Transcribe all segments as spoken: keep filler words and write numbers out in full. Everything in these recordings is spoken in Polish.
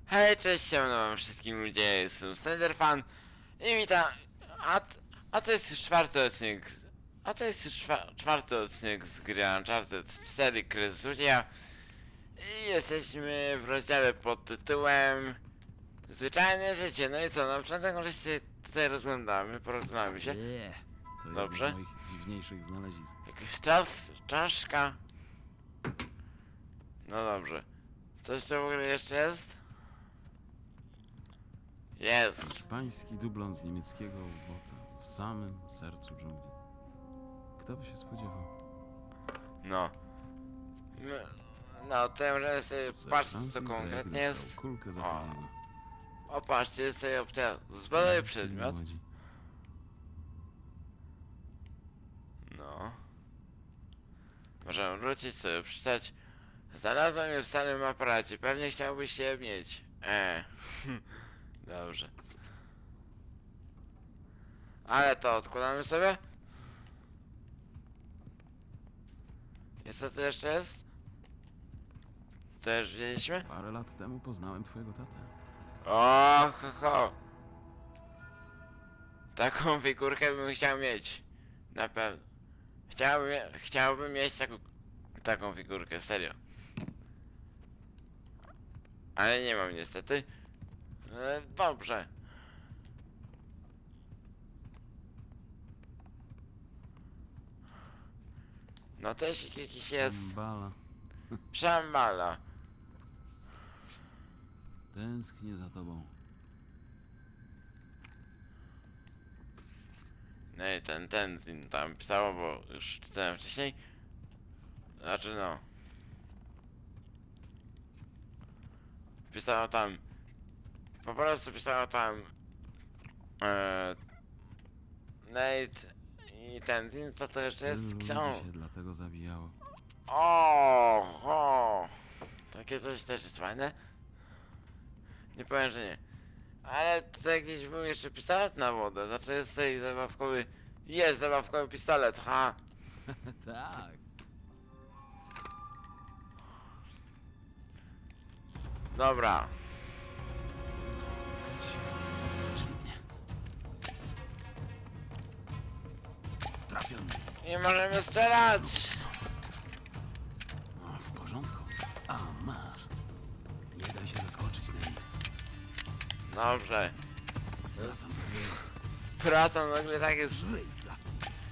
Hej, cześć, siemano wam wszystkim ludzie, jestem Slenderfan i witam, a, a to jest już czwarty odcinek, a to jest już czwa, czwarty odcinek z gry Uncharted cztery Kres Złodzieja i jesteśmy w rozdziale pod tytułem Zwyczajne życie. No i co, na początek może się tutaj rozglądamy, porozglądamy się. Nie, to jedno Dobrze. z moich dziwniejszych znalezisk. Jakiś czas, czaszka. No dobrze. Coś tu w ogóle jeszcze jest? Jest. Hiszpański dublon z niemieckiego ubota w samym sercu dżungli. Kto by się spodziewał? No. My- No, to ja możemy sobie Sir patrzeć co Francis konkretnie Drake jest. dostał kulkę za O. Sadiego. O, patrzcie, jest tutaj opcja. Zbadaj przedmiot. Młodzi. No. Możemy wrócić sobie, przeczytać. Znalazłem je w starym aparacie. Pewnie chciałbyś je mieć. Eee. Dobrze. Ale to odkładamy sobie. I co to jeszcze jest? Co już widzieliśmy? Parę lat temu poznałem twojego tatę. O, ho, ho. Taką figurkę bym chciał mieć. Na pewno. Chciałbym, chciałbym mieć taką, taką figurkę, serio. Ale nie mam niestety. E, dobrze. No też jakiś jest. Bala. Szambala. Tęsknię za tobą. No i ten, ten, ten tam pisało, bo już czytałem wcześniej. Znaczy no. Pisało tam. Po prostu pisało tam. E, Nate i ten, ten, co to jeszcze Tylu jest? ludzi Książ... się dlatego zabijało. O, o, takie coś też jest fajne. Nie powiem, że nie. Ale tutaj gdzieś był jeszcze pistolet na wodę. Znaczy jest tutaj zabawkowy. Jest zabawkowy pistolet, ha. Tak. Dobra. Czyli mnie. Trafiony. I możemy strzelać. O, w porządku. A, masz. Nie daj się zaskoczyć, Nate. Dobrze. Wracam do biegu. Praca nagle tak jest. Żyj, plastik.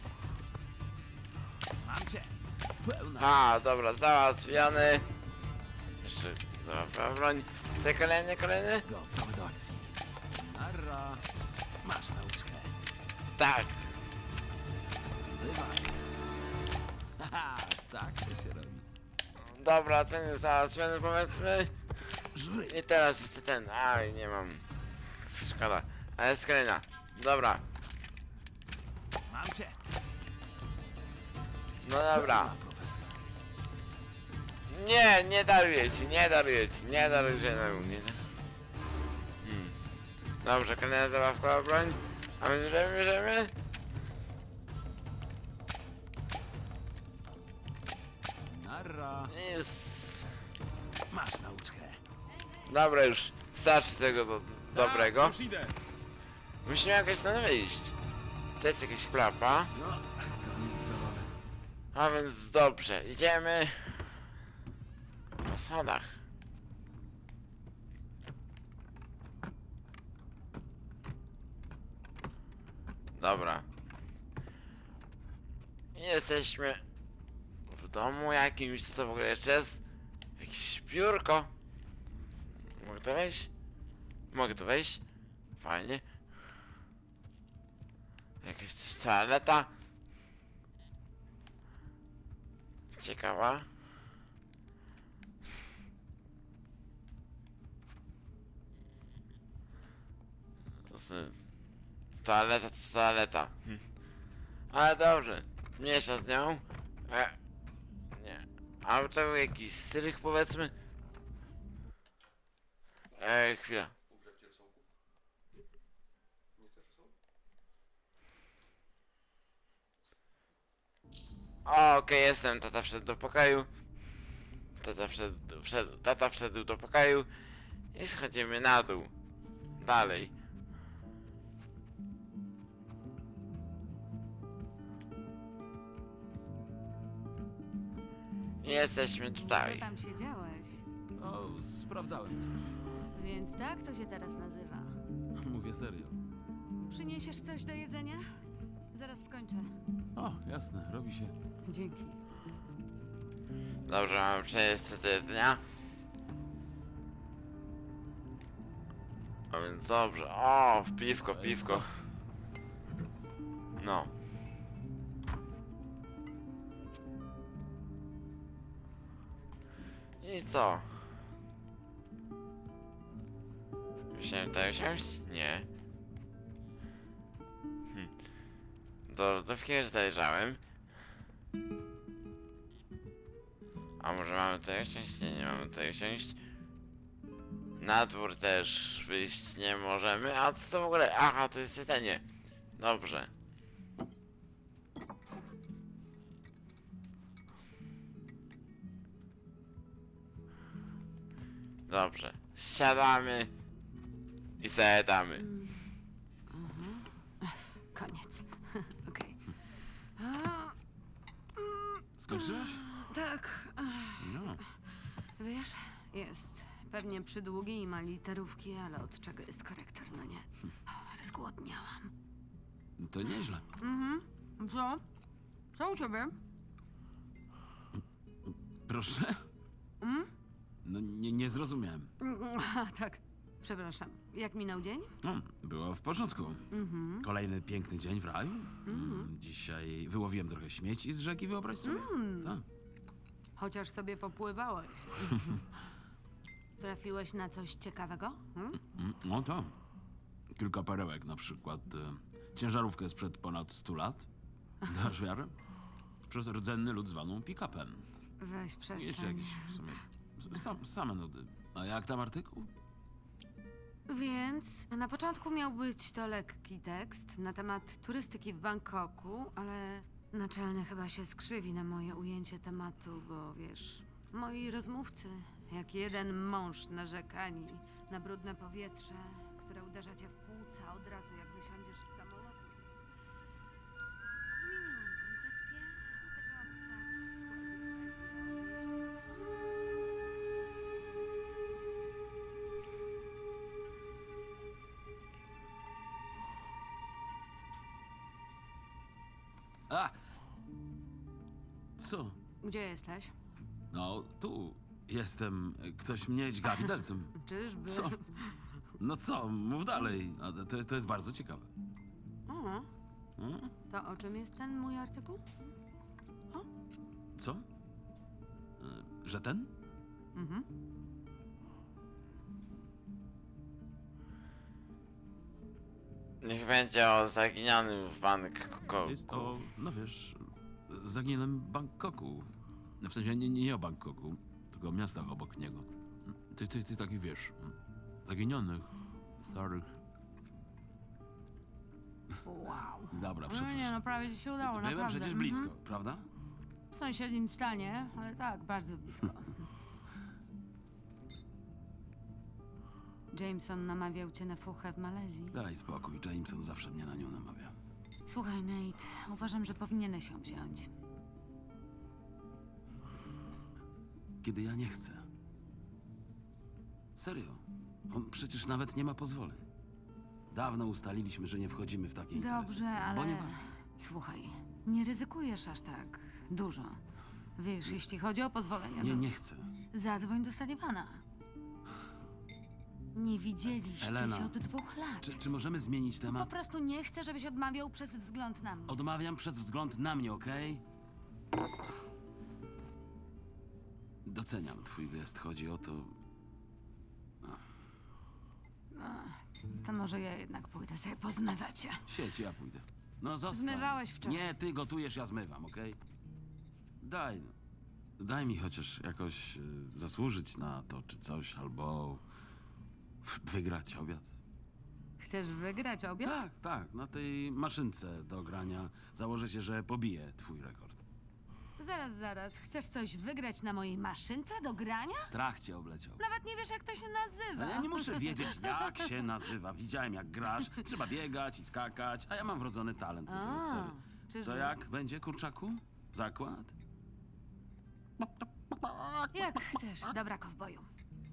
Mam cię. Pełna. A, dobra, załatwiony. Jeszcze, dobra, broń. Te kolejny, kolejny? Gotowy do akcji. Narra. Masz nauczkę. Tak. Bywaj. Haha, tak to się robi. Dobra, ten jest załatwiony, powiedzmy. Żyj. I teraz jest ten. Aj, nie mam. Szkoda. Ale jest kolejna. Dobra. Mam cię. No dobra. Pełna, profesor. Nie, nie daruję ci, nie daruję ci, nie daruję żadnemu, nie. Hmm. Dobrze, kolejna zabawkowa broń. A my bierzemy, bierzemy? Narra. Jest. Masz nauczkę. Dobra, już starczy tego do, dobrego. Już idę. Musimy jakoś stąd wyjść. To jest jakaś klapa. No, koniec zabawy. A więc dobrze, idziemy na schodach. Dobra. Jesteśmy w domu jakimś, co to w ogóle jeszcze jest? Jakieś biurko. Mogę to wejść? Mogę to wejść? Fajnie. Jakaś też toaleta. Ciekawa. Z... Toaleta to toaleta. Hm. Ale dobrze. Mniejsza z nią. E... Nie. Ale to był jakiś strych, powiedzmy. Ej, chwila. Ugrzać cię rosołku? Nie chcesz rosołku? O, okej, jestem. Tata wszedł do pokoju. Tata wszedł, wszedł, tata wszedł do pokoju. I schodzimy na dół. Dalej. I jesteśmy Co tutaj. tam siedziałeś? O, sprawdzałem coś. Więc tak to się teraz nazywa. Mówię serio. Przyniesiesz coś do jedzenia? Zaraz skończę. O, jasne, robi się. Dzięki. Dobrze, mamy przejść do dnia. A więc dobrze. O, piwko, To jest piwko. co? No. I co? Musiałem tutaj usiąść? Nie. Hm. Do lodówki już zajrzałem. A może mamy tutaj usiąść? Nie, nie mamy tutaj usiąść. Na dwór też wyjść nie możemy. A co to w ogóle? Aha, to jest jedzenie. Dobrze. Dobrze. Siadamy i zajadamy. Koniec. Okej. A, Skończyłeś? Tak. No. Wiesz, jest pewnie przydługi i ma literówki, ale od czego jest korektor, no nie? O, ale zgłodniałam. To nieźle. Mhm. Co? Co u ciebie? Proszę? Mm? No nie, nie zrozumiałem. A, tak. Przepraszam. Jak minął dzień? No, było w porządku. Mhm. Kolejny piękny dzień w raju. Mm, Dzisiaj wyłowiłem trochę śmieci z rzeki, wyobraź sobie. Tak. Chociaż sobie popływałeś. Trafiłeś na coś ciekawego? Hmm? Mm, No to. Kilka perełek na przykład. E, ciężarówkę sprzed ponad stu lat. Dasz wiarę? Przez rdzenny lud zwaną pick-upem. Weź I jeszcze przestań. jakieś w sumie sam, same nudy. A jak tam artykuł? Więc na początku miał być to lekki tekst na temat turystyki w Bangkoku, ale naczelny chyba się skrzywi na moje ujęcie tematu, bo wiesz, moi rozmówcy, jak jeden mąż narzekani na brudne powietrze, które uderza cię w płuca od razu jak wysiądziesz z samolotu, więc zmieniłam koncepcję i zaczęłam pisać A! Co? Gdzie jesteś? No, tu jestem. Ktoś mnie dźga widelcem. Czyżby? Co? No co, mów dalej. A to jest, to jest bardzo ciekawe. O, Hmm? to o czym jest ten mój artykuł? Co? E, Że ten? Mhm. Niech będzie o zaginionym w Bangkoku. Jest o, no wiesz, zaginionym Bangkoku. No w sensie nie, nie o Bangkoku, tylko o miastach obok niego. Ty, ty, ty taki wiesz, zaginionych, starych. Wow. Dobra, No nie, przepraszam. no prawie ci się udało, Byłem naprawdę. przecież Mhm. blisko, prawda? W sąsiednim stanie, ale tak, bardzo blisko. Jameson namawiał cię na fuchę w Malezji. Daj spokój, Jameson zawsze mnie na nią namawia. Słuchaj, Nate, uważam, że powinieneś ją wziąć. Kiedy ja nie chcę. Serio. On przecież nawet nie ma pozwoleń. Dawno ustaliliśmy, że nie wchodzimy w takie interesy. Dobrze, ale... Bo nie warto. Słuchaj, nie ryzykujesz aż tak dużo. Wiesz, jeśli chodzi o pozwolenia, Nie, to nie chcę. zadzwoń do Sullivana. Nie widzieliście Elena, się od dwóch lat. Czy, czy możemy zmienić Po temat? prostu nie chcę, żebyś odmawiał przez wzgląd na mnie. Odmawiam przez wzgląd na mnie, okej? Doceniam twój gest. Chodzi o to... To może ja jednak pójdę sobie pozmywać się. Siedź, ja pójdę. No zostań. Zmywałeś wczoraj. Nie, ty gotujesz, ja zmywam, okej? Daj, no. Daj mi chociaż jakoś y, zasłużyć na to, czy coś, albo wygrać obiad. Chcesz wygrać obiad? Tak, tak, na tej maszynce do grania założę się, że pobiję twój rekord. Zaraz, zaraz. Chcesz coś wygrać na mojej maszynce do grania? Strach cię obleciał. Nawet nie wiesz, jak to się nazywa. Ale ja nie muszę wiedzieć, jak się nazywa. Widziałem, jak grasz. Trzeba biegać i skakać, a ja mam wrodzony talent do tej A, serii. czyżby? To jak będzie, kurczaku? Zakład? Jak chcesz. Dobra, kowboju.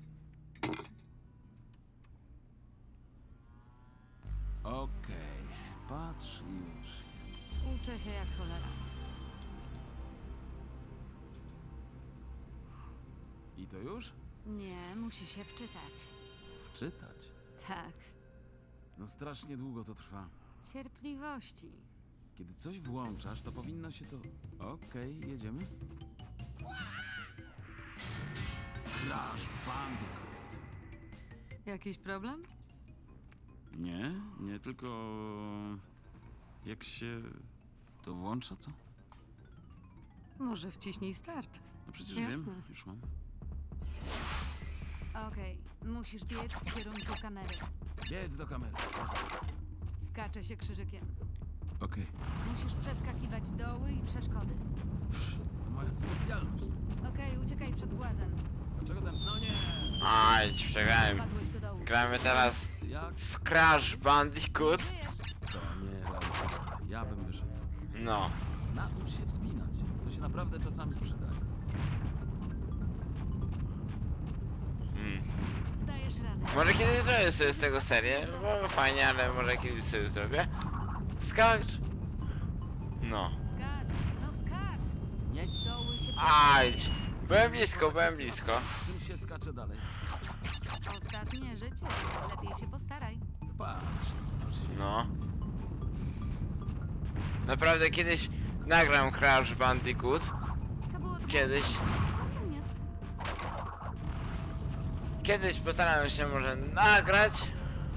Okej, patrz już. Uczę się jak cholera. I to już? Nie, musi się wczytać. Wczytać. Tak. No strasznie długo to trwa. Cierpliwości. Kiedy coś włączasz, to powinno się to... Okej, jedziemy? Crash Bandicoot. Jakiś problem? Nie, nie, tylko... Jak się... to włącza, co? Może wciśnij start. No przecież Jasne. wiem, już mam. Okej, musisz biec w kierunku kamery. Biec do kamery. Skacze się krzyżykiem. Okej. Musisz przeskakiwać doły i przeszkody. To moja specjalność. Okej, uciekaj przed głazem. Dlaczego ten... No nie! Aj, przegrałem. Padłeś do dołu. Gramy teraz Jak? w Crash Bandicoot. Żyjesz? To nie realistyczne. Ja bym wyszedł. No. Naucz się wspinać. To się naprawdę czasami przydaje. Mm. Dajesz radę. Może kiedyś zrobię sobie z tego serię, bo fajnie, ale może kiedyś sobie zrobię. Skacz! No. Skacz, no skacz. Nie. Doły się Ajdź! Byłem blisko, byłem blisko. Czym się skacze dalej? Ostatnie życie. Lepiej się postaraj. Patrz. No. Naprawdę kiedyś nagram Crash Bandicoot. To było tylko Kiedyś. całkiem niezłe. Kiedyś postaram się może nagrać.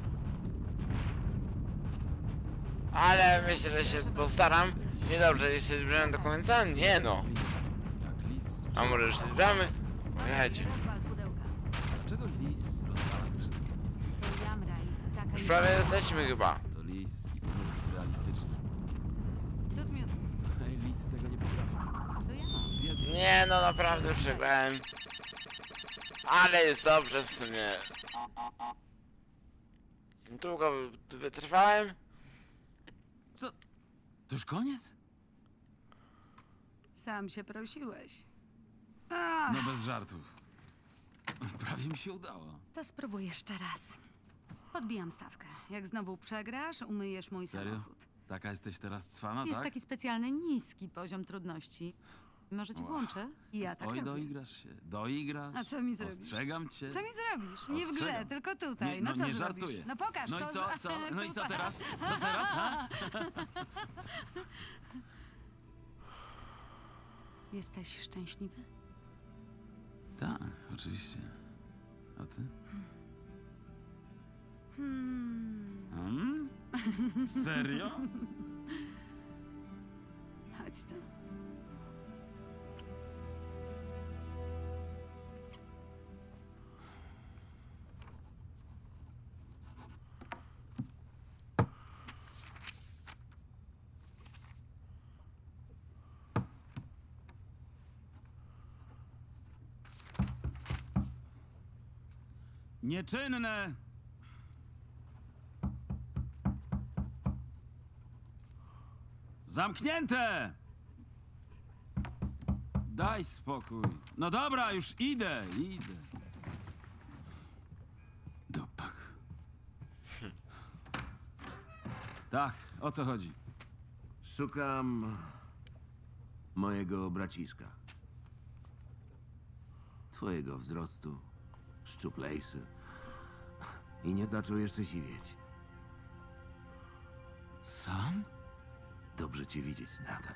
Ale myślę, że się postaram. Niedobrze, jeśli zbliżamy do końca? Nie no. Jak lis. A może już się zbliżamy? Jechajcie. Rozwal pudełka. Dlaczego lis rozwala skrzydła? To jamraj. Taka Już jest prawie jesteśmy chyba. To lis i to niezbyt realistyczne. Cud miód. Hej, lisy tego nie potrafią. To ja mam. Biedny. Nie no, naprawdę przegrałem. Ale jest dobrze w sumie. Długo wytrwałem. Co? To już koniec? Sam się prosiłeś. Ach, No bez żartów. Prawie mi się udało. to spróbuj jeszcze raz. Podbijam stawkę. Jak znowu przegrasz, umyjesz mój Serio? samochód. Taka jesteś teraz cwana, Jest tak? taki specjalny niski poziom trudności. Może ci Wow. włączę? I ja tak Oj, robię. doigrasz się. Doigrasz. A co mi zrobisz? Ostrzegam cię. Co mi zrobisz? Nie w grze, Ostrzegam. tylko tutaj. Nie, no no co nie zrobisz? żartuję. No pokaż, No i co... co, z- co? No i co tutaj. teraz? Co teraz, ha? Jesteś szczęśliwy? Tak, oczywiście. A ty? Hmm. Hmm? Serio? Chodź tu. Nieczynne! Zamknięte! Daj spokój. No dobra, już idę, idę. Dupak. Tak, o co chodzi? Szukam mojego braciszka. Twojego wzrostu, szczuplejszy. I nie zaczął jeszcze siwieć. Sam? Dobrze cię widzieć, Nathan.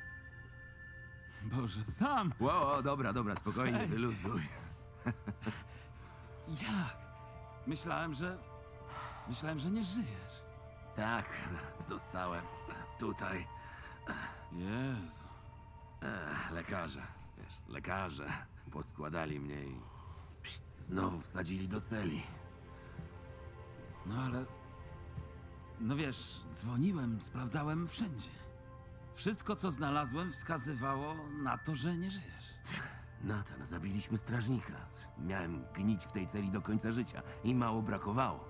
Boże, sam! Ło, o, dobra, dobra, spokojnie, Hej. wyluzuj. Jak? Myślałem, że... Myślałem, że nie żyjesz. Tak, dostałem tutaj Jezu. e, lekarze. Wiesz, lekarze poskładali mnie i pst, znowu wsadzili do celi. No ale... No wiesz, dzwoniłem, sprawdzałem wszędzie. Wszystko, co znalazłem, wskazywało na to, że nie żyjesz. Nathan, zabiliśmy strażnika. Miałem gnić w tej celi do końca życia i mało brakowało.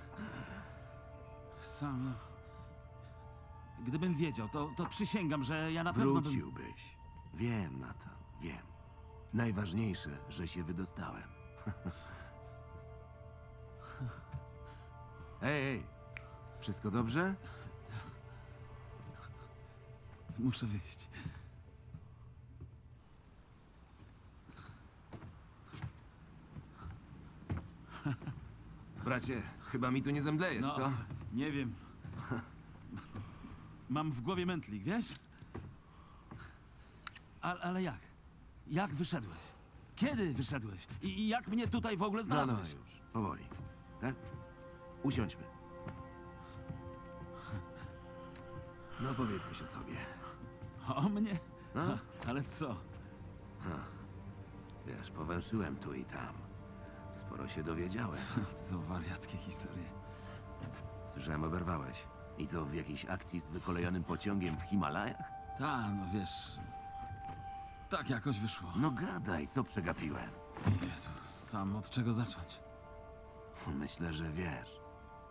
Sam... Gdybym wiedział, to, to przysięgam, że ja na pewno bym... Wróciłbyś. Wiem, Nathan, wiem. Najważniejsze, że się wydostałem. Ej, ej, wszystko dobrze? Muszę wyjść. Bracie, chyba mi tu nie zemdlejesz, No, co? nie wiem. Mam w głowie mętlik, wiesz? Ale, ale jak? Jak wyszedłeś? Kiedy wyszedłeś? I, I jak mnie tutaj w ogóle No, no, znalazłeś? już, powoli. Tak? Usiądźmy. No powiedz coś o sobie. O mnie? No? Ale co? Wiesz, powęszyłem tu i tam. Sporo się dowiedziałem. To wariackie historie. Słyszałem, oberwałeś. I co, w jakiejś akcji z wykolejonym pociągiem w Himalajach? Ta, no wiesz... Tak jakoś wyszło. No gadaj, co przegapiłem? Jezus, sam od czego zacząć? Myślę, że wiesz.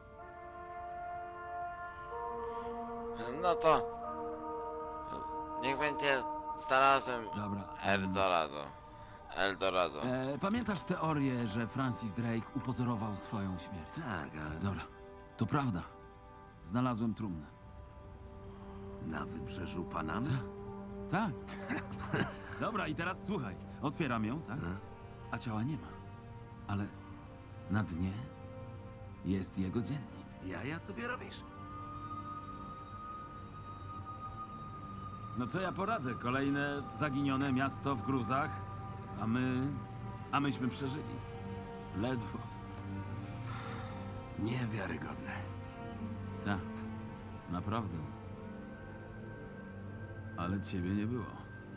No to... Niech będzie... Znalazłem Dobra. Eldorado. Eldorado. E, pamiętasz teorię, że Francis Drake upozorował swoją śmierć? Tak, ale Dobra, to prawda. Znalazłem trumnę. na wybrzeżu Panamy? Tak. Dobra, i teraz słuchaj. Otwieram ją, tak? A ciała nie ma. Ale na dnie jest jego dziennik. Jaja sobie robisz? No co ja poradzę? Kolejne zaginione miasto w gruzach, a my... a myśmy przeżyli. Ledwo. Niewiarygodne. Tak, naprawdę. Ale ciebie nie było.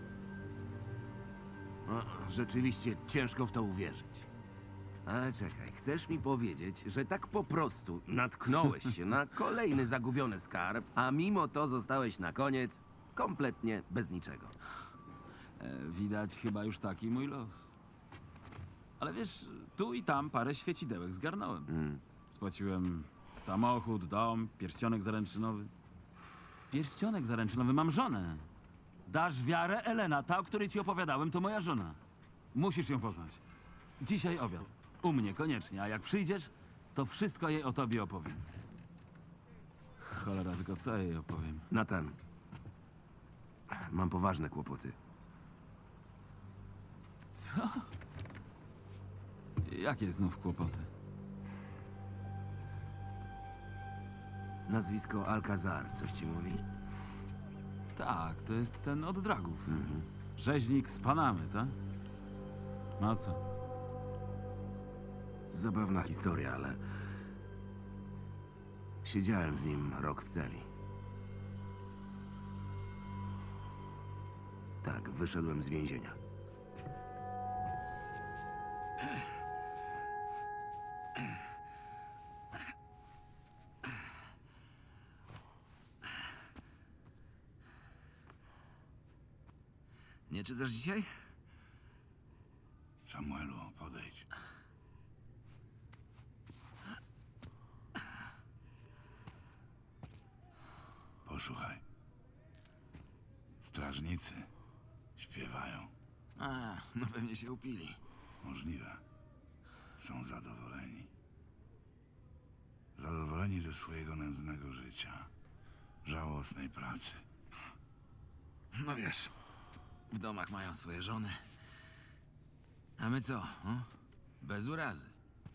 No, rzeczywiście ciężko w to uwierzyć. Ale czekaj, chcesz mi powiedzieć, że tak po prostu natknąłeś się na kolejny zagubiony skarb, a mimo to zostałeś na koniec kompletnie bez niczego. E, widać chyba już taki mój los. Ale wiesz, tu i tam parę świecidełek zgarnąłem. Mm. Spłaciłem samochód, dom, pierścionek zaręczynowy. Pierścionek zaręczynowy, mam żonę. Dasz wiarę, Elena, ta, o której ci opowiadałem, to moja żona. Musisz ją poznać. Dzisiaj obiad. U mnie, koniecznie. A jak przyjdziesz, to wszystko jej o tobie opowiem. Cholera, tylko co jej opowiem? Nathan, mam poważne kłopoty. Co? Jakie znów kłopoty? Nazwisko Alcazar, coś ci mówi? Tak, to jest ten od dragów. Rzeźnik z Panamy, tak? No co? Zabawna historia, ale... Siedziałem z nim rok w celi. Tak, wyszedłem z więzienia. Nie czytasz dzisiaj? Samuelu, podejdź. Posłuchaj. Strażnicy śpiewają. A, no pewnie się upili. Możliwe. Są zadowoleni. Zadowoleni ze swojego nędznego życia. Żałosnej pracy. No wiesz, w domach mają swoje żony. A my co? O? Bez urazy.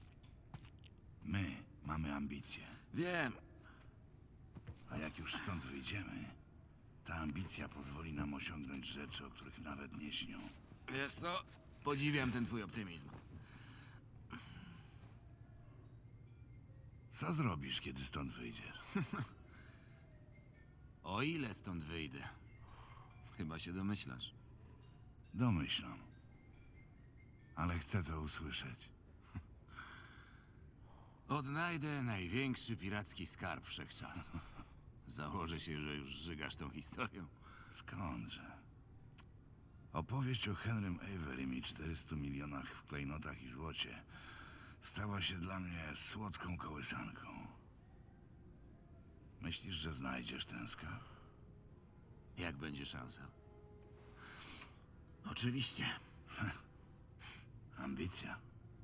My mamy ambicje. Wiem. A jak już stąd wyjdziemy, ta ambicja pozwoli nam osiągnąć rzeczy, o których nawet nie śnią. Wiesz co? Podziwiam ten twój optymizm. Co zrobisz, kiedy stąd wyjdziesz? O ile stąd wyjdę? Chyba się domyślasz. Domyślam. Ale chcę to usłyszeć. Odnajdę największy piracki skarb wszechczasów. Założę się, że już żygasz tą historią. Skądże? Opowieść o Henrym Averym i czterystu milionach w klejnotach i złocie stała się dla mnie słodką kołysanką. Myślisz, że znajdziesz ten skarb? Jak będzie szansa? Oczywiście. Ambicja.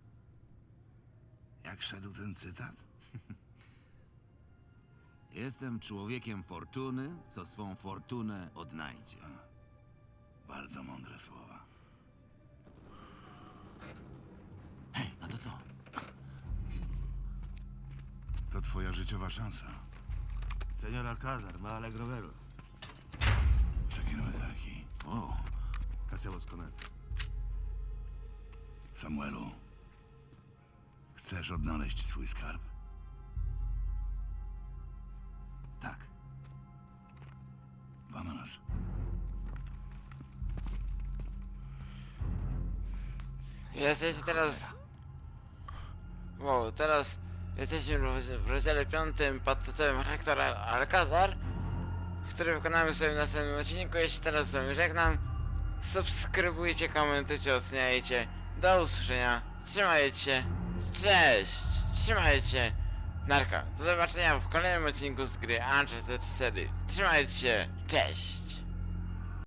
Jak szedł ten cytat? Jestem człowiekiem fortuny, co swą fortunę odnajdzie. Bardzo mądre słowa. Hej, a to co? To twoja życiowa szansa. Señor Alcázar, ma alegro verlo. Przekinął taki. O, ¿Qué hacemos con él? Samuelu, chcesz odnaleźć swój skarb? tak. Vámonos. Jesteśmy teraz... Wow, teraz jesteśmy w rozdziale piątym pod tytułem Hector Alcázar, który wykonamy sobie w następnym odcinku. Jeśli teraz z wami żegnam, subskrybujcie, komentujcie, oceniajcie. Do usłyszenia, trzymajcie się, cześć, trzymajcie się, narka. Do zobaczenia w kolejnym odcinku z gry Uncharted cztery. Trzymajcie się, cześć.